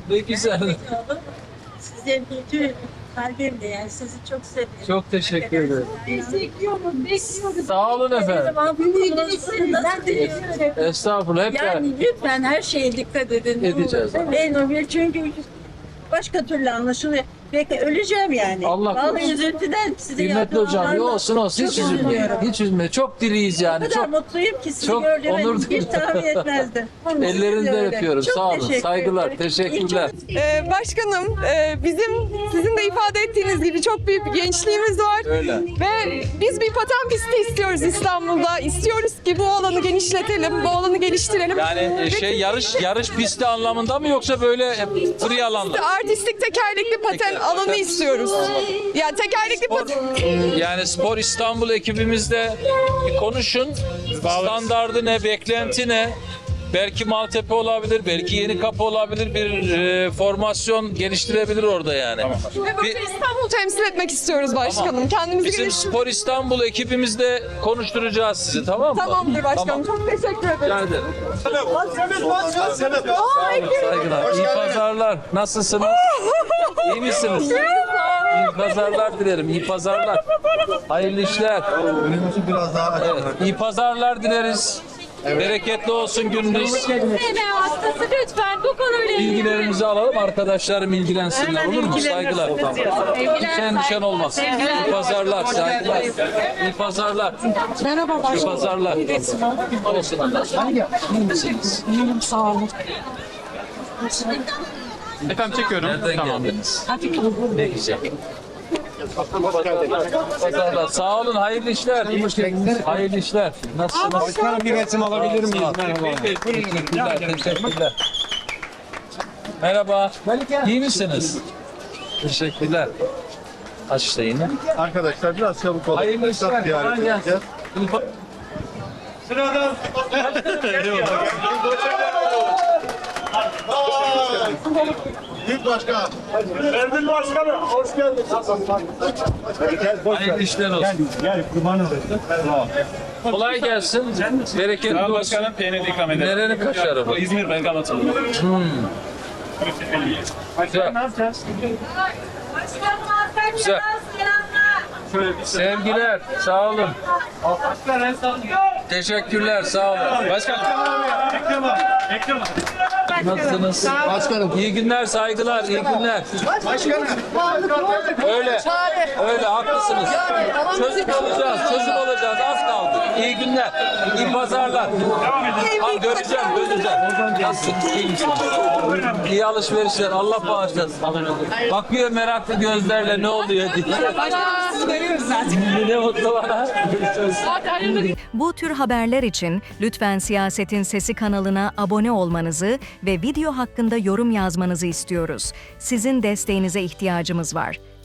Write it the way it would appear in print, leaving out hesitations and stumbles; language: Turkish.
Ne güzel. Size bütün kalbimle yani sizi çok seviyorum. Çok teşekkür ederim. Bekliyoruz. Sağ olun efendim. Ben de Estağfurullah, hep beraber. yani lütfen her şeye dikkat edin. Edeceğiz. En önemli çünkü başka türlü anlaşılıyor. Belki öleceğim yani. Allah Vallahi korusun. üzüntüden sizi Kıymetli hocam, yok olsun olsun, hiç Çok üzülmeyin. üzülüyorum. Hiç üzülmeyin. Çok diriyiz O yani. kadar Çok mutluyum ki sizi çok gördüğüme onur hiç duydum. tahmin etmezdim. Ellerinden Öyle. öpüyorum. Çok Sağ olun. teşekkür Saygılar. ederim. Teşekkürler. Başkanım, bizim sizin de ifade ettiğiniz gibi çok büyük bir gençliğimiz var. Öyle. Ve biz bir paten pisti istiyoruz İstanbul'da. İstiyoruz ki bu alanı genişletelim, bu alanı geliştirelim. Yani yarış pisti anlamında mı yoksa böyle free alanda? Artistik tekerlekli paten alanı istiyoruz. Yani tekerlekli paten... Yani Spor İstanbul ekibimizle bir konuşun. Standardı ne, beklenti ne? Belki Maltepe olabilir, belki Yenikapı olabilir, bir formasyon geliştirebilir orada yani. Ve böyle İstanbul'u temsil etmek istiyoruz başkanım. Kendimizi Bizim geliştirmek. Spor İstanbul ekibimizle konuşturacağız sizi, tamam mı? Tamamdır başkanım. Tamam. Çok teşekkür ederim. Rica ederim. Saygılar. İyi pazarlar. Nasılsınız? İyi misiniz? İyi pazarlar dilerim. İyi pazarlar. Hayırlı işler. Önümüzü biraz daha açalım. Evet. İyi pazarlar dileriz. Bereketli olsun gününüz. hastası lütfen bu konuyla Bilgilerimizi alalım, arkadaşlarım ilgilensinler, olur mu? Saygılar. Hiç endişen olmaz. İyi pazarlar, saygılar. İyi pazarlar. Merhaba başkanım. İyi pazarlar. Olsun. İyi misiniz? Sağ olun. Efendim çekiyorum. Nereden geldiniz? Ne güzel. Pazarlar. Sağ olun, hayırlı işler. Hayırlı işler. Nasılsınız? Başkanım bir resim alabilir miyiz? Teşekkürler, teşekkürler. Merhaba. İyi misiniz? Teşekkürler. Aç işte yine. Arkadaşlar biraz çabuk olun. Hayırlı işler. Ziyaret Kolay gelsin. edeceğiz. Sıradan. Büyük başkan. Erdil başkanım hoş geldin. Hayırlı işler olsun. Gel kurban olayım. Kolay gelsin. Bereketli olsun. Başkanım peynir ikram eder. Nerenin kaşarı bu? İzmir Bergamalı. Güzel. Güzel. Sevgiler, sağ olun. Teşekkürler, sağ olun. Başkanım. Ekrem. Nasılsınız? Başkanım. İyi günler, saygılar, iyi günler. Başkanım. Öyle, öyle haklısınız. Çözüm olacağız, az kaldı. İyi günler, iyi pazarlar. Abi göreceğim. Nasılsınız, iyi misiniz? İyi alışverişler, Allah bağışlasın. Bakıyor meraklı gözlerle ne oluyor diye. Ne mutlu bana. Bu tür haberler için lütfen Siyasetin Sesi kanalına abone olmanızı ve video hakkında yorum yazmanızı istiyoruz. Sizin desteğinize ihtiyacımız var.